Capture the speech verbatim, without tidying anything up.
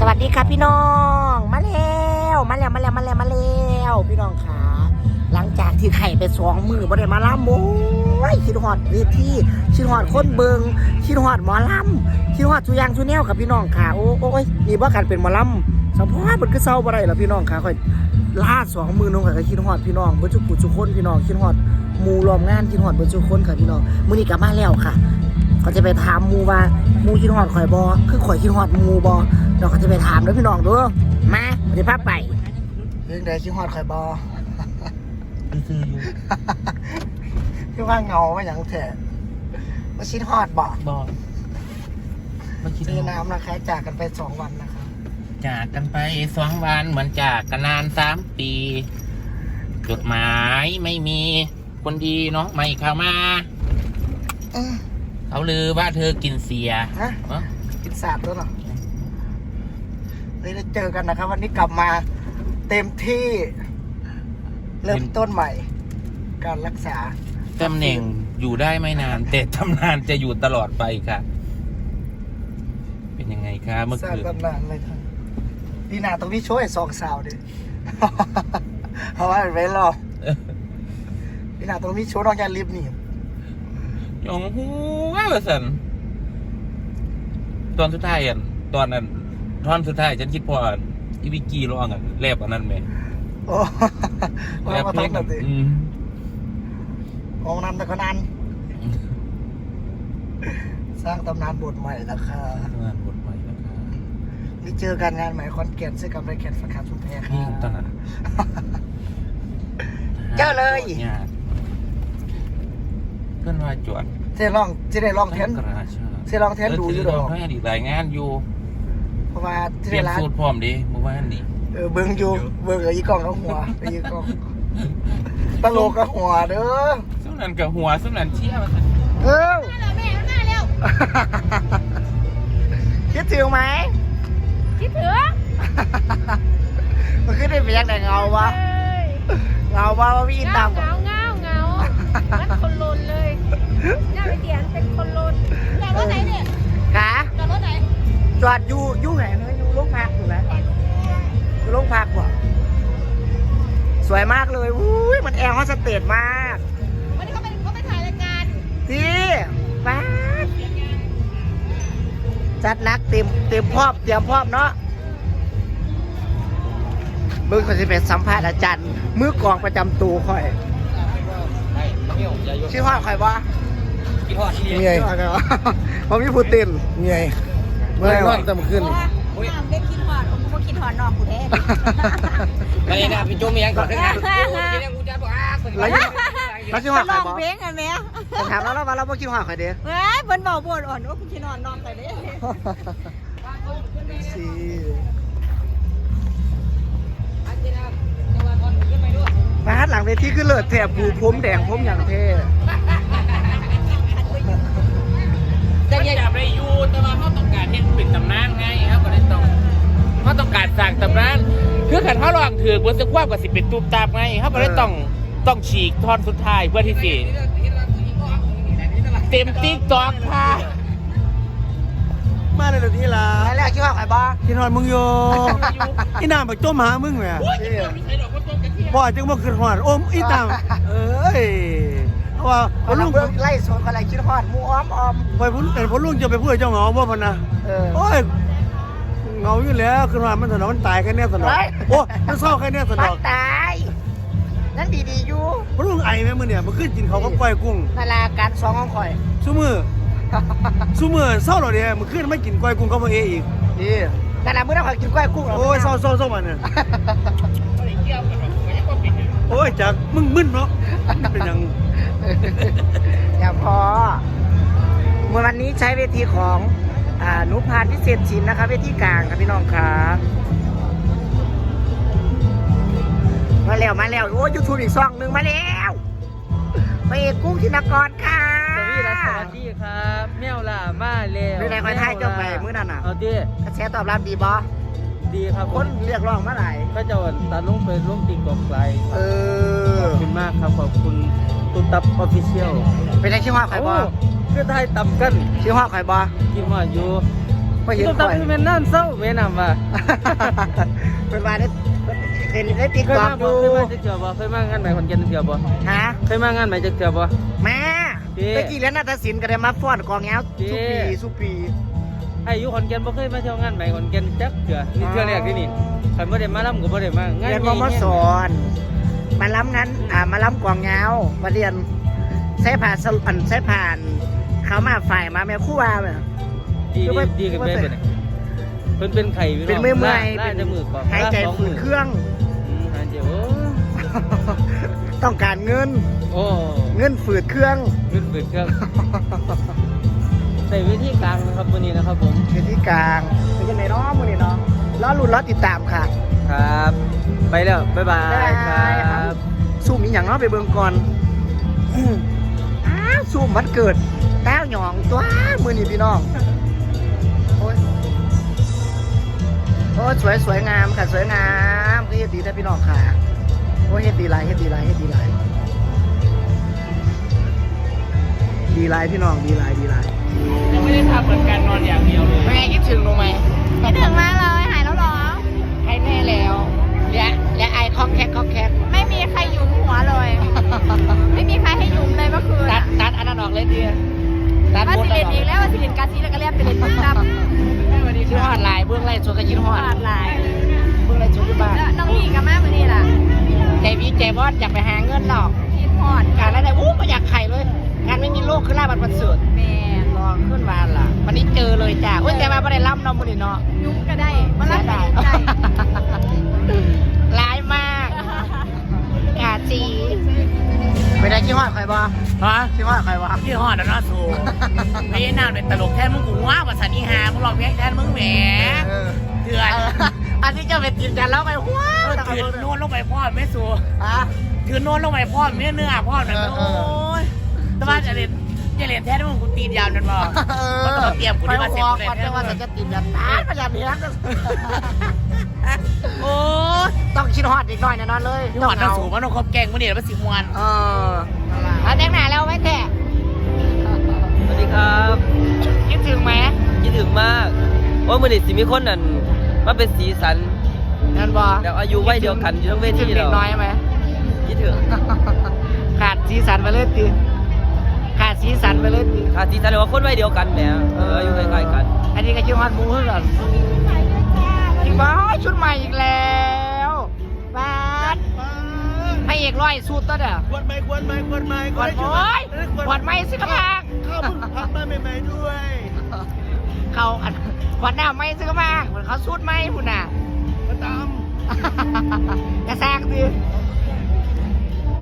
วัสดีครับพี่น้องมาแล้วมาแล้วมาแล้วมาแล้วมาแล้วพี่น้องขาหลังจากที่ไข่ไปสองมือบ่ได้มาล่ำโอ้ยคิดฮอดเวทีคิดฮอดคนเบิงคิดฮอดหมอล่ำคิดฮอดสุยางสุแนวกับพี่น้องขาโอ้โอ้ยนี่ว่าการเป็นหมอล่ำสมพรมันก็เศร้าบ่ได้หรอพี่น้องขาค่อยลาดสองมือน้องก็คิดฮอดพี่น้องเบิ่จุกุจุคนพี่น้องคิดฮอดหมู่รวมงานคิดฮอดเบิ่จุคนค่ะพี่น้องมื้อนี้กลับมาแล้วค่ะก็จะไปถามหมู่ว่าหมู่คิดฮอดข่อยบ่คือข่อยคิดฮอดหมู่บ่เราก็จะไปถามด้วยพี่น้องดูมาเดี๋ยวพาไปเรื่องใดคิดฮอดข่อยบ่คืออยู่พี่ว่าเงาว่าอย่างแท้มาคิดฮอดบ่บ่มาคิดเจอน้ำนะคะจากกันไปสองวันนะคะจากกันไปสองวันเหมือนจากกันนานสามปีจดหมายไม่มีคนดีเนาะไม่เข้ามาเขาลือว่าเธอกินเสียฮะกินสาบด้วยเหรอเลยได้เจอกันนะครับวันนี้กลับมาเต็มที่เริ่มต้นใหม่การรักษาตำแหน่งอยู่ได้ไม่นานแต่ตำนานจะอยู่ตลอดไปค่ะเป็นยังไงคะเมื่อคืนตำนานเลยค่ะดีนาตรงนี้ช่วยสองสาวดิเพราะว่าไม่รอดีนาตรงนี้ช่วยน้องยาลิฟนี่ยองหูว้าวสันตอนสุดท้ายอ่ะตอนนั้นท่อนสุดท้ายฉันคิดพออีวิกี้ร้องอ่ะแลบอันนั้นไหมโอ้แลบเพลงนั่นสิองนั้นแต่คนนั้นสร้างตำนานบทใหม่นะคะตำนานบทใหม่นะคะนี่เจอกันงานใหม่คอนแก่นเสื้อกับไรแก่นสาขาชุมแพค่ะนี่ตอนนั้นเจอเลยเพื่อนว่าจวดเจ๊ลองเจ๊ได้ลองเทนเจ๊ลองเทนดูอยู่หรอให้ดีรายงานอยู่เพราะว่าเตรียมสูตรพร้อมดิเมื่อวานนี้เออเบิ้งอยู่เบิ้งอีกองกับหัวอีกองตลกกับหัวเด้อสุนันกับหัวสุนันเชี่ยวเออแม่หน้าเร็วคิดถึงไหมคิดถึงมันขึ้นได้เป็นยังไงเงาวะเงาวะว่าพี่อินตามเงาเงาเงามันคนลนเลยหน้าไปเตียนเป็นคนลนจอดรถไหนเนี่ยกะจอดรถไหนจอดอยู่อยู่ไหนเนอะอยู่โรงพักอยู่แล้วอยู่โรงพักบ่สวยมากเลยอุ้ยมันแอร์ฮอสเตสมากวันนี้เขาไปเขาไปถ่ายรายการที่ป้าจัดนักเต็มเต็มพร้อมเตรียมพร้อมเนาะมือคนที่เป็นสัมภาษณ์อาจารย์มือกองประจำตัวค่อยชื่อว่าใครวะกี่พ่อที่เมียผมมีผู้ตินเมียเมื่อวันจะมาขึ้นน้ำเล่นคิดหอดผมก็คิดหอดนอกกูแท้ไม่ได้พี่โจมีอย่างก่อนนะแล้วแล้วชื่อว่าใครบอสเพลงไงแม่ถามแล้วเราเราไม่คิดว่าใครเด้เฮ้ยบนเบาบนอ่อนว่าคุณคิดนอนนอนใครเด้สิบ้านหลังเวทีคือเลิศแถบผูผมแดงผมอย่างเท่จะจับได้อยู่แต่ว่าเขาต้องการเห็นเป็นตำนานไงครับก็เลยต้องเขาต้องการสร้างตำนานคือขันเขาลองถือบนสึกว่ากับสิเป็นตูบตาบไงเขาก็เลยต้องต้องฉีกท่อนสุดท้ายเพื่อที่สิเต็มติ๊กตอกค่ะมาเลยเดี๋ยวนี้ล่ะแล้วคิดว่าใครบ้าคิดฮอดมึงอยู่อีน้ำไปจมหามึงแหม่พ่อจึงบ่คิดฮอดโอ้มอีตามเอ้ยว่าพอลุงไล่สวนอะไรคิดฮอดมูอ้อมอ้อมไปพุ่นเป็นพอลุงจะไปพูดเจ้าเหงาบ่พันนะโอ้ยเหงาอยู่แล้วคิดฮอดมันสนองมันตายแค่เนี้ยสนองโอ้มันเศร้าแค่เนี้ยสนองตายนั่นดีๆอยู่พอลุงไอแม่มื้อเนี่ยมันขึ้นกินเขาก็ก้อยกุ้งนาลาการสองของข่อยซุมื้อซุมื้อเศร้าหรอเด้มันขึ้นไม่กินก้อยกุ้งก็บ่เออีกนี่นาลามื้อนั้นข่อยกินก้อยกุ้งโอ้ยเศร้าๆๆมันเนี่ยโอ้ยจักมึงมึนเนาะเป็นยังอย่าพอเมื่อวันนี้ใช้เวทีของอ่านุพานพิเศษชินนะคะเวทีกลางครับพี่น้องครับมาแล้วมาแล้วโอ้ยูทูบอีกซองหนึ่งมาแล้วไปเอกกุ้งธินกรค่ะสวัสดีสวัสดีครับแมวล่ะมาแล้วไม่ได้คอยถ่ายจบไปมื้อนั้นอ่ะเอาดิกระแสตอบรับดีบอดีครับคนเรียกร้องมาไหนก็จะตัดลงไปลงติ๊กต็อกไลฟ์เออขอบคุณมากครับขอบคุณตุ้มตับออฟฟิเชียลเป็นไงชื่อว่าใครบอคือไทยตับกันชื่อว่าใครบอกินว่าอยู่บ่เห็นตุ๊บข่ตับอยคือเป็นนั่นเศร้าแม่นำว่าเป็นว่าได้เห็นได้ติ๊กเคยต็อกมาดูบ่เคยมาจักเทื่อบ่เคยมางานใหม่ขอนแก่นจักเทื่อบ่ฮะเคยมางานใหม่จักเทื่อบ่แม่เจ๊ตะกี้แล้วนาฏศิลป์ก็ได้มาฟ้อนกองแง้วเจ๊สุปีสุปีไอ้อยู่ขอนแก่นบ่เคยมาเที่ยวงานใหม่ขอนแก่นจักเทื่อนี่เทื่อแรกที่นี่คันบ่ได้มาลำก็บ่ได้มางานเรียนใหมญ่มสอนมาล้ำนั้นอ่ามาล้ำกองแง้วมาเรียนใช้ผ่านสรุปอันใช้ผ่าน เขามาฝ่ายมาแม่ครู่ว่าแบบดีคือว่าดีดีกันไปเป็นเพิ่นเป็นไข้พี่น้องเป็นเมื่อยเมื่อยน่าจะมือก่อนหายใจสองฝืมืนอเครื่องอืมหายใจโอ้ต้องการเงินโอ้เงินฝืดเครื่องขึ้นเปิดเครื่องใส่วิธีกลางนะครับวันนี้นะครับผมเป็นที่กลางเป็นยังไงเนาะมือนี่เนาะรอลุ้นรอติดตามค่ะครับ ไปแล้ว บ๊ายบายครับซูมมีอย่างเนาะไปเบิ่งก่อนอื้ออ้าวซูมวันเกิดแต้วหยองตัวมือนี่พี่น้องโอ้ยโอ้ยสวยสวยงามค่ะสวยงามก็เฮ็ดดีนะพี่น้องค่ะโอ้ยเฮ็ดดีหลายเฮ็ดดีหลายเฮ็ดดีหลายดีหลายพี่น้องดีหลายดีหลายยังไม่ได้ทำเหมือนกันนอนอย่างเดียวเลยแม่คิดถึงลงไหมคิดถึงมากเลยหายแล้วเหรอให้แม่แล้วและและไอคอกแคกคอกแคกไม่มีใครหยุมหัวเลย ไม่มีใครให้หยุมเลยเมื่อคืนตัอะดตัดอันนั้นออกเลยดีตัดว่าหมดสิแล้วเรียนอีกแล้วว่าสิเรียนกาซีแล้วก็เรียนไปเรียนปุ๊บปั๊บชื่อฮอดลายเบื้องไล่ชวนกันยินฮอดขาดหลายเบื้องไล่ชวนที่บ้านแล้วน้องหญิงกับแม่มือนี่ล่ะใจวีใจบอสอยากไปหาเงินหรอกคิดพอดการอะไรอู้ไม่อยากไข่เลยการไม่มีโรคคือลาบันประเสริฐแม่รอขึ้นมาล่ะวันนี้เจอเลยจ้าอุ้ยแต่มาไม่ได้ล่ำเนาะมื้อนี้เนาะยุ้มก็ได้มาลักเสียก็ดายได้ร้ายมากกาจีไม่ได้ขี้ฮอดใครบ่ฮะขี้ฮอดใครบ่พี่ฮอดแล้วเนาะสูไม่ได้น่าเป็นตลกแทนมึงกูว่าภาษานีหามึงลองเพลงแทนมึงแหมเออเถื่อนอันนี้จะเป็นกินกันแล้วไปว้าวถือโน้นลงไปพ่อไม่สูอ่ะถือโน้นลงไปพ่อไม่เนื้อพ่อหน่อยเออเอโอ้อยแต่ว่าจะเรียนจะเรียนแท้ที่มึงกูตีนยาวนั่นบ่มันต้องเตรียมกูได้มาเสร็จก่เลยอนจะว่าจะติดแบบตายพยายามนี้นะโอ้ยต้องคิดฮอดอีกหน่อยแน่นอนเลยพี่ฮอดน้ำสูงมันต้องครบแกงมันนี่แล้วมันสิมวนเออเอาแต่งหน้าแล้วไว้แท้สวัสดีครับคิดถึงไหมคิดถึงมาก ว่ามือนี้สิมีคนนั่นมาเป็นสีสันนั่นบอแล้วอายุวัยเดียวกันอยู่ทั้งเวคิดทีถึงเด็เรากน้อยไหมคิดถึงขาดสีสันไปเลยตีขาดสีสันไปเลยตีค่ะสีสันเลยว่าคนวัยเดียวกันแหมเอออายุใกล้ๆกันอันนี้ก็คิดฮอดหมูเพื่อนอีกบ้าชุดใหม่อีกแล้วบ้าดพระเอกร้อยสูตรตัวเด้อควรไหมควรไหมควรไหมกดโอ้ยกดไม่สิกระพังข้าวพุ่งพักมาใหม่ๆด้วยเขาอันขวดน้ำไม่ซื้อมาเหมือนเขาสูดไม่พุ่นน่ะมาตามกระแซกดิโอ